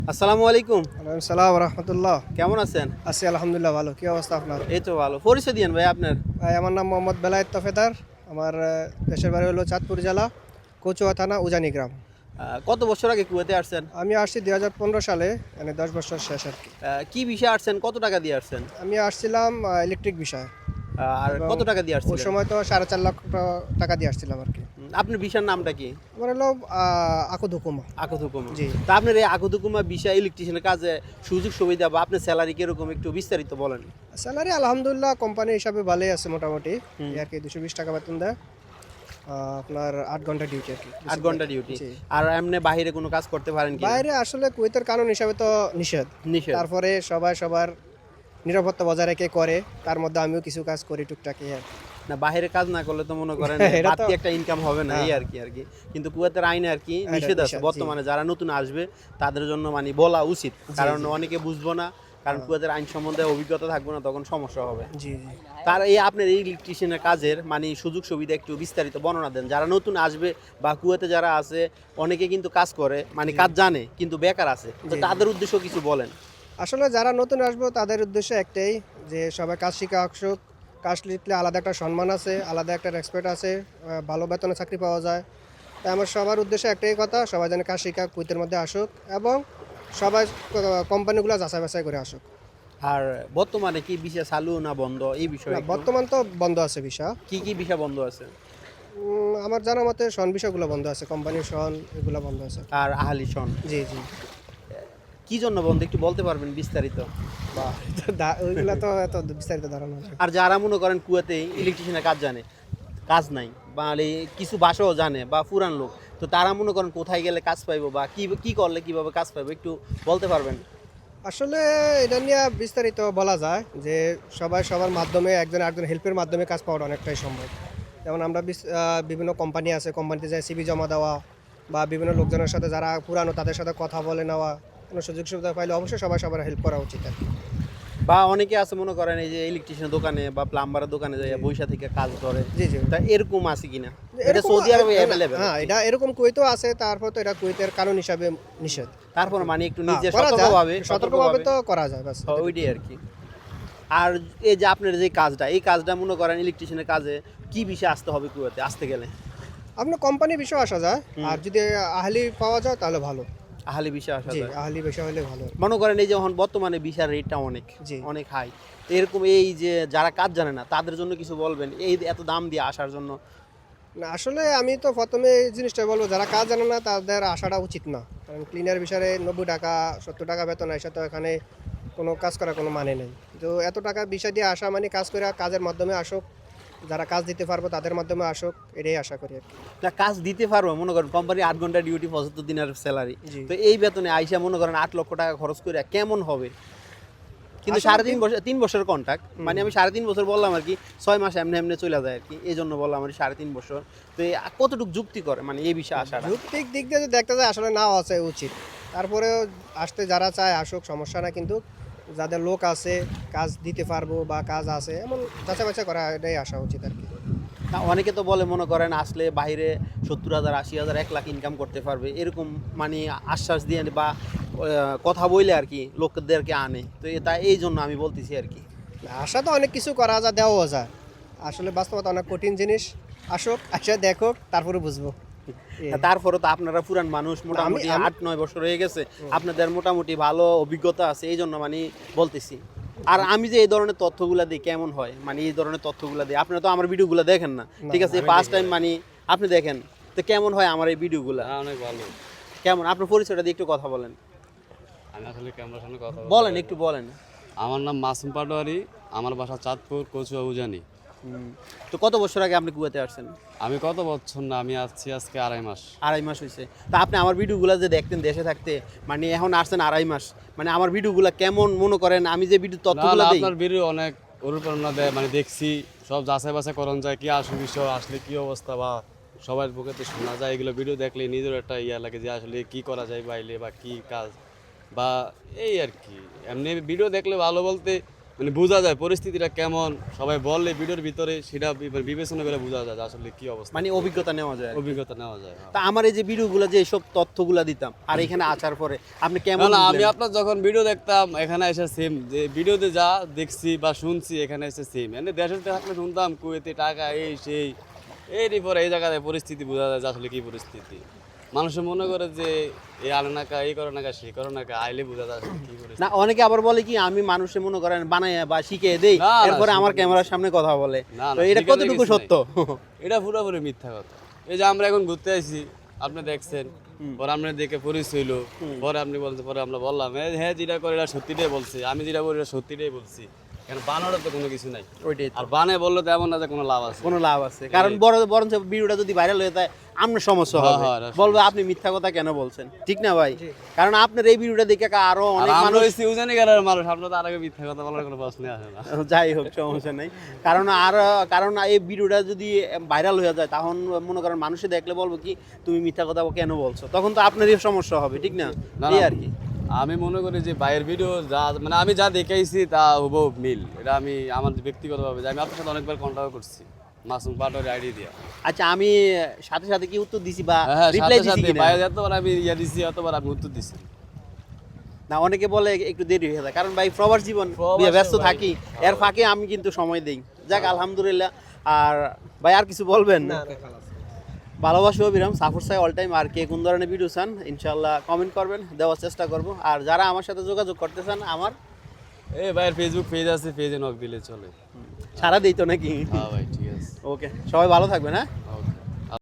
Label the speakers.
Speaker 1: আসসালামু আলাইকুম।
Speaker 2: ওয়ালাইকুম সালাম রহমতুল্লাহ।
Speaker 1: কেমন আছেন?
Speaker 2: আছি আলহামদুলিল্লাহ, ভালো। কি অবস্থা আপনার?
Speaker 1: এই তো ভালো। পরিচয় দিয়েন ভাই আপনার।
Speaker 2: ভাই, আমার নাম মোহাম্মদ বেলায়েত তফেদার। আমার দেশের বাড়ি হলো চাঁদপুর জেলা, কচুয়া থানা, উজানি গ্রাম।
Speaker 1: কত বছর আগে কুয়েতে আসছেন?
Speaker 2: আমি আসছি 2015 সালে, মানে 10 বছর শেষ আর কি।
Speaker 1: কি বিষয়ে আসছেন? কত টাকা দিয়ে আসছেন?
Speaker 2: আমি আসছিলাম ইলেকট্রিক বিষয়ে।
Speaker 1: আর
Speaker 2: এবং
Speaker 1: কত টাকা দিয়ে
Speaker 2: ওই
Speaker 1: আসছিলেন?
Speaker 2: সময় তো 4.5 লাখ টাকা দিয়ে আসছিলাম আর কি।
Speaker 1: আপনার বিষয়ের নামটা কি?
Speaker 2: আমার হলো আকুদুকুমা।
Speaker 1: আকুতুকুমা।
Speaker 2: জি।
Speaker 1: তা আপনার এই আকুতুকুমা বিষয় ইলেকট্রিশিয়ানের কাজে সুযোগ সুবিধা বা আপনার স্যালারি কিরকম একটু বিস্তারিত বলেন।
Speaker 2: স্যালারি আলহামদুলিল্লাহ কোম্পানি হিসাবে ভালোই আছে মোটামুটি।
Speaker 1: হুম।
Speaker 2: এই আর কি 220 টাকা বেতন দেয়। আপনার 8 ঘন্টা ডিউটি আর কি।
Speaker 1: 8 ঘন্টা ডিউটি।
Speaker 2: জি।
Speaker 1: আর এমনি বাইরে কোনো কাজ করতে পারেন কি?
Speaker 2: বাইরে আসলে কুয়েতের কানুন হিসাবে তো নিষেধ।
Speaker 1: নিষেধ।
Speaker 2: তারপরে সবাই সবার নিরাপত্তা বজায় রেখে করে, তার মধ্যে আমিও কিছু কাজ করি টুকটাকি আর কি।
Speaker 1: না, বাইরে কাজ না করলে তো মনে করেন
Speaker 2: এটা তো
Speaker 1: বাড়তি একটা ইনকাম হবে না, এই
Speaker 2: হ্যাঁ।
Speaker 1: আর কি। কিন্তু কুয়েতের আইনে আর কি
Speaker 2: এটা
Speaker 1: নিষেধ আছে
Speaker 2: নিষেধ, জি।
Speaker 1: বর্তমানে, যারা নতুন আসবে তাদের জন্য মানে বলা উচিত, কারণ
Speaker 2: জি।
Speaker 1: অনেকে বুঝবো না, কারণ কুয়েতের আইন সম্বন্ধে অভিজ্ঞতা থাকবে না, তখন সমস্যা হবে।
Speaker 2: জি, জি।
Speaker 1: তার এই আপনার এই ইলেকট্রিশিয়ানের কাজের মানে সুযোগ সুবিধা একটু বিস্তারিত বর্ণনা দেন, যারা নতুন আসবে বা কুয়েতে যারা আছে, অনেকে কিন্তু কাজ করে মানে কাজ জানে কিন্তু বেকার আছে, তো
Speaker 2: জি, জি।
Speaker 1: তাদের উদ্দেশ্য কিছু বলেন।
Speaker 2: আসলে যারা নতুন আসবো তাদের উদ্দেশ্য একটাই, যে সবাই কাজ শিখে আসুক। কাজ শিখলে আলাদা একটা সম্মান আছে, আলাদা একটা রেসপেক্ট আছে, ভালো বেতনে চাকরি পাওয়া যায়। তাই আমার সবার উদ্দেশ্য একটাই কথা, সবাই যেন কাজ শিখা কুয়েতের মধ্যে আসুক এবং সবাই কোম্পানিগুলো যাচাই বাছাই করে আসুক।
Speaker 1: আর বর্তমানে কি বিষয় চালু না বন্ধ, এই বিষয়ে
Speaker 2: না,
Speaker 1: একটু।
Speaker 2: বর্তমান তো বন্ধ আছে ভিসা।
Speaker 1: কি কি বিষয় বন্ধ আছে?
Speaker 2: আমার জানা মতে শন বিষয়গুলো বন্ধ আছে, কোম্পানির শন এগুলো বন্ধ আছে।
Speaker 1: আর আহালি সন
Speaker 2: জি, জি।
Speaker 1: কি জন্য বন্ধ একটু বলতে পারবেন বিস্তারিত?
Speaker 2: বা ওইগুলা তো এত বিস্তারিত ধারণা আছে।
Speaker 1: আর যারা মনে করেন কুয়েতে ইলেকট্রিশিয়ানের কাজ জানে, কাজ নাই বা কিছু ভাষাও জানে বা পুরান লোক, তো তারা মনে করেন কোথায় গেলে কাজ পাইবো বা কি কি করলে কিভাবে কাজ পাইবো একটু বলতে পারবেন?
Speaker 2: আসলে এটা নিয়ে বিস্তারিত বলা যায় যে সবাই সবার মাধ্যমে, একজন একজন হেল্পের মাধ্যমে কাজ পাওয়াটা অনেকটাই সম্ভব। যেমন আমরা বিভিন্ন কোম্পানি আছে, কোম্পানিতে যাই সিভি জমা দেওয়া, বা বিভিন্ন লোকজনের সাথে যারা পুরানো তাদের সাথে কথা বলে নেওয়া, কোনো সুযোগ সুবিধা পাইলে অবশ্যই সবাই সবার হেল্প করা উচিত আর কি।
Speaker 1: বা অনেকে আছে মনে করেন এই যে ইলেকট্রিশিয়ান দোকানে বা প্লাম্বারের দোকানে যাই বৈশা থেকে কাজ করে,
Speaker 2: জি, জি।
Speaker 1: তা এরকম আছে কিনা? এটা
Speaker 2: এরকম
Speaker 1: সৌদি আরবে অ্যাভেলেবেল।
Speaker 2: হ্যাঁ, এটা এরকম কুয়েতেও আছে, তারপর তো এটা কুয়েতের কানুন হিসাবে নিষেধ।
Speaker 1: তারপর মানে একটু
Speaker 2: হ্যাঁ,
Speaker 1: নিজে
Speaker 2: করা যায়,
Speaker 1: সতর্কভাবে
Speaker 2: সতর্কভাবে তো করা যায়, বাস।
Speaker 1: ওইটাই আর কি। আর এই যে আপনার যে কাজটা, এই কাজটা মনে করেন ইলেকট্রিশিয়ানের কাজে কি বিষয়ে আসতে হবে কুয়েতে আসতে গেলে?
Speaker 2: আপনার কোম্পানি বিষয় আসা যায়,
Speaker 1: হুম।
Speaker 2: আর যদি আহলি পাওয়া যায় তাহলে ভালো।
Speaker 1: আহালি বিষয়ে আসা
Speaker 2: জি,
Speaker 1: যায়।
Speaker 2: আহলি বিষয় হলে ভালো।
Speaker 1: মনে করেন এই যে এখন বর্তমানে ভিসার রেটটা অনেক
Speaker 2: জি।
Speaker 1: অনেক হাই, এরকম এই যে যারা কাজ জানে না তাদের জন্য কিছু বলবেন এই এত দাম দিয়ে আসার জন্য?
Speaker 2: না, আসলে আমি তো প্রথমে এই জিনিসটা বলবো, যারা কাজ জানে না তাদের আসাটা উচিত না। কারণ ক্লিনার বিষয়ে 90 টাকা 70 টাকা বেতন আসা তো এখানে কোনো কাজ করার কোনো মানে নেই। তো এত টাকা বিষয় দিয়ে আসা মানে কাজ করে কাজের মাধ্যমে আসুক, যারা কাজ দিতে পারবো তাদের মাধ্যমে আসুক, এটাই আশা করি আর কি।
Speaker 1: না, কাজ দিতে পারবো, মনে করেন কোম্পানি 8 ঘন্টা ডিউটি 75 দিনের স্যালারি,
Speaker 2: জি।
Speaker 1: তো এই বেতনে আইসা মনে করেন 8 লক্ষ টাকা খরচ করে কেমন হবে? কিন্তু
Speaker 2: আসলে
Speaker 1: 3.5 বছর কন্ট্রাক্ট, মানে আমি 3.5 বছর বললাম আর কি, 6 মাস এমনি এমনি চলে যায় আর কি, এই জন্য বললাম আর 3.5 বছর। তো কতটুকু যুক্তি করে মানে এই বিষয়ে আসাটা?
Speaker 2: যৌক্তিক দিক দিয়ে যদি দেখতে যায় আসলে নাও আছে উচিত। তারপরেও আসতে যারা চায় আসুক, সমস্যা না, কিন্তু যাদের লোক আছে, কাজ দিতে পারবো বা কাজ আছে এমন যাচাই বাছাই করা, এটাই আসা উচিত আর কি।
Speaker 1: না, অনেকে তো বলে মনে করেন আসলে বাইরে 70,000 80,000 1 লাখ ইনকাম করতে পারবে, এরকম মানে আশ্বাস দিয়ে বা কথা বইলে আর কি লোকদেরকে আনে, তো তাই এই জন্য আমি বলতেছি আর কি।
Speaker 2: আশা তো অনেক কিছু করা যায়, দেওয়াও যায়। আসলে বাস্তবতা অনেক কঠিন জিনিস। আসুক, আসে দেখুক, তারপরে বুঝবো।
Speaker 1: তারপরে তো আপনারা পুরান মানুষ,
Speaker 2: আমি
Speaker 1: মোটামুটি
Speaker 2: আমি
Speaker 1: 8-9 বছর হয়ে গেছে, আপনাদের মোটামুটি ভালো অভিজ্ঞতা আছে, এই জন্য মানে বলতেছি। আর আমি যে এই ধরনের তথ্যগুলা দিই কেমন হয়, মানে এই ধরনের তথ্যগুলা দিই, আপনারা তো আমার ভিডিওগুলো দেখেন না,
Speaker 2: না,
Speaker 1: ঠিক আছে,
Speaker 2: আমি
Speaker 1: ফার্স্ট টাইম মানে আপনি দেখেন, তো কেমন হয় আমার এই ভিডিওগুলা?
Speaker 3: অনেক ভালো।
Speaker 1: কেমন, আপনার পরিচয়টা দিয়ে একটু কথা বলেন।
Speaker 3: আমি আসলে ক্যামেরার সামনে কথা
Speaker 1: বলেন একটু বলেন।
Speaker 3: আমার নাম মাসুম পাটোয়ারি, আমার বাসা চাঁদপুর, কচুয়া, উজানি।
Speaker 1: তো কত বছর আগে আপনি কুয়েতে আসছেন?
Speaker 3: আমি কত বছর না, আমি আসছি আজকে 2.5 মাস।
Speaker 1: 2.5 মাস হয়েছে। তা আপনি আমার ভিডিওগুলো যে দেখতেন দেশে থাকতে, মানে এখন আসছেন 2.5 মাস, মানে আমার ভিডিওগুলো কেমন মনে করেন, আমি যে ভিডিও
Speaker 3: না
Speaker 1: তথ্যগুলো
Speaker 3: না,
Speaker 1: দিই?
Speaker 3: আপনার ভিডিও অনেক অনুপ্রেরণা দেয়, মানে দেখছি সব যাচাই বাছাই করণ যায়, কি আসল বিষয়, আসলে কি অবস্থা, বা সবার বুকেতে শোনা যায়, এগুলো ভিডিও দেখলে নিজের একটা ইয়া লাগে যে আসলে কি করা যায় বাইরে, বা কি কাজ, বা এই আর কি। এমনি ভিডিও দেখলে ভালো বলতে মানে বোঝা যায় পরিস্থিতিটা কেমন, সবাই বললে ভিডিওর ভিতরে সেটা বিবেচনা করে বোঝা যায় যে আসলে কি অবস্থা,
Speaker 1: মানে অভিজ্ঞতা নেওয়া যায় আর কি।
Speaker 3: অভিজ্ঞতা নেওয়া যায়।
Speaker 1: তা আমার এই যে ভিডিওগুলো যে সব তথ্যগুলো দিতাম আর এখানে আসার পরে আপনি কেমন
Speaker 3: না না, আমি
Speaker 1: বুঝলেন?
Speaker 3: আপনার যখন ভিডিও দেখতাম এখানে এসে সেম, যে ভিডিওতে যা দেখছি বা শুনছি এখানে এসে সেম। এনে দেশে থাকলে শুনতাম কুয়েতে টাকা এই সেই, এরই পরে এই জায়গায় পরিস্থিতি বোঝা যায় যে আসলে কি পরিস্থিতি। মানুষে মনে করে যে এই আনে না কা, এই করে না কা, সেই করে না কা, আইলে বোঝা যায় আসলে কি পরিস্থিতি।
Speaker 1: না অনেকে আবার বলে কি আমি মানুষে মনে করেন বানাই বা শিখিয়ে দেই,
Speaker 3: না, না,
Speaker 1: এরপরে আমার
Speaker 3: শিখিয়ে
Speaker 1: ক্যামেরার সামনে কথা বলে,
Speaker 3: না, না,
Speaker 1: তো এটা
Speaker 3: শিখানোর
Speaker 1: কতটুকু
Speaker 3: কিছু
Speaker 1: সত্য?
Speaker 3: এটা পুরোপুরি মিথ্যা কথা। এই যে আমরা এখন ঘুরতে আইছি, আপনি দেখছেন, পরে আমরা দেখে পরিচয় হইলো, পরে আপনি বলছেন, পরে আমরা বললাম হ্যাঁ যেটা করে এটা সত্যিটাই বলছি, আমি যেটা বলি এটা সত্যিটাই বলছি, কারণ বানানোর তো কোনো কিছু নাই।
Speaker 1: ওইটাই তো।
Speaker 3: আর বানে বললে তো এমন না যে কোনো লাভ আছে।
Speaker 1: কোনো লাভ আছে? কারণ বরঞ্চ ভিডিওটা যদি ভাইরাল হয়ে যায় আপনার সমস্যা
Speaker 3: হ্যাঁ,
Speaker 1: হবে,
Speaker 3: হ্যাঁ, এটা
Speaker 1: বলবে আপনি মিথ্যা কথা কেন বলছেন, ঠিক না ভাই? কারণ আপনার এই ভিডিওটা দেখে আরো
Speaker 3: আর
Speaker 1: অনেক
Speaker 3: আমরা
Speaker 1: মানুষ,
Speaker 3: ওই সিউজানি গাড়ার মানুষ, আমরা তো আর আগে মিথ্যা কথা বলার কোনো প্রশ্ন আসে না।
Speaker 1: যাই হোক সমস্যা নেই, কারণ এই ভিডিওটা যদি ভাইরাল হয়ে যায় তখন মনে করেন মানুষে দেখলে বলবো কি তুমি মিথ্যা কথা কেন বলছো, তখন তো আপনারই সমস্যা হবে, ঠিক না?
Speaker 3: না,
Speaker 1: এই
Speaker 3: না,
Speaker 1: আর কি।
Speaker 3: আমি মনে করি যে বাইরের ভিডিও যা মানে আমি যা দেখাইছি তা হুবহু মিল। এটা আমি আমার ব্যক্তিগতভাবে যে আমি আপনার সাথে অনেকবার কন্ট্যাক্ট করছি মাসুম পাটোয়ারি আইডি দিয়া।
Speaker 1: আচ্ছা আমি সাথে সাথে কি উত্তর দিছি বা
Speaker 3: হ্যাঁ,
Speaker 1: রিপ্লাই
Speaker 3: সাথে
Speaker 1: দিছি
Speaker 3: সাথে
Speaker 1: কিনা?
Speaker 3: বাইরে এতবার আমি ইয়া দিছি, এতবার আমি উত্তর দিছি।
Speaker 1: না অনেকে বলে একটু দেরি হয়ে যায়, কারণ ভাই প্রবাস জীবন,
Speaker 3: প্রবাসে
Speaker 1: ব্যস্ত
Speaker 3: ভাই।
Speaker 1: থাকি, এর ফাঁকে আমি কিন্তু সময় দেই। যাক আলহামদুলিল্লাহ। আর ভাই আর কিছু বলবেন? ভালোবাসি অবিরাম সাফর সাই অল টাইম। আর কে কোন ধরনের ভিডিও চান ইনশাল্লাহ কমেন্ট করবেন, দেওয়ার চেষ্টা করব। আর যারা আমার সাথে যোগাযোগ করতে চান আমার
Speaker 3: এই ভাইয়ের ফেসবুক পেজ আছে, পেজে নক দিলে চলে।
Speaker 1: সারা দিই তো নাকি?
Speaker 3: হ্যাঁ ভাই, ঠিক আছে।
Speaker 1: ওকে, সবাই ভালো থাকবেন, হ্যাঁ।